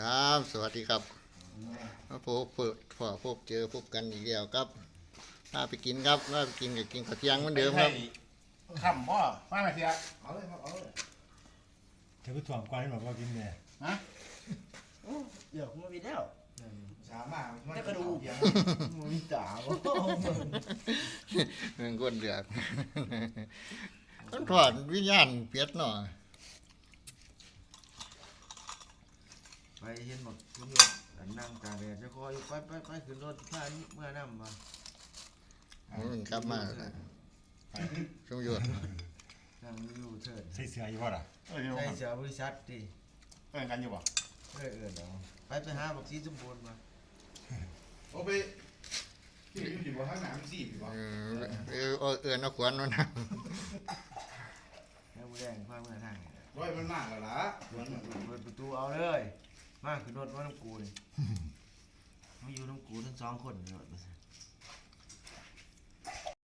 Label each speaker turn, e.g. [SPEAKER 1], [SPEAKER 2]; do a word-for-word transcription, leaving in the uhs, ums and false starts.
[SPEAKER 1] ครับ สวัสดีครับมาพบเปิดพอพบเจอพบกันอีกแล้วครับพาไปกินครับพาไปกินกับกินข้าวเที่ยงเหมือนเดิมครับ
[SPEAKER 2] ขำบ่มาไหมเสียเอาเลยครับเอาเลย
[SPEAKER 3] เธอไปถ่วงกวนให้หมดว่ากินเนี่ย
[SPEAKER 2] ฮะ
[SPEAKER 4] เดี๋ยวมาวิดแล้ว
[SPEAKER 2] สามารถ
[SPEAKER 4] จะกระดูกมันมีตาบ่
[SPEAKER 1] เมืองก้นเดือดต้องถอดวิญญาณเปียดหน่อย
[SPEAKER 4] ไปเห็นหมดคุณโยมนั่งตาแดดจะคอยไปไปไปขึ้นรถพานี้เมื่อน้ำมา
[SPEAKER 1] มันกลับมาชมยุทธ
[SPEAKER 4] นั่งอยู่เถิด
[SPEAKER 3] ใส่เสื้ออยู่บ่ล่ะ
[SPEAKER 2] เออเดี๋ยว
[SPEAKER 4] ใช่เสียบริษัทดิ
[SPEAKER 2] เออกันอยู่บ่
[SPEAKER 4] เออเออเดี๋ยวไปไปหาบักซีสมบูรณ์มา
[SPEAKER 2] โอ้ไปที่อยู่ที่บ่ข้างหน้ามันสี่บ่
[SPEAKER 1] เออเออเออเออนักขวัญมันนะ
[SPEAKER 4] แล้วมือแดงพาเมื่อทาง
[SPEAKER 2] ร้อยมันมากแล้วล่ะมัน
[SPEAKER 4] เปิดประตูเอาเลยมาขึ้นรถว่าน้ำกูนี่มาอยู่น้ำกูทั้งสองคนเลย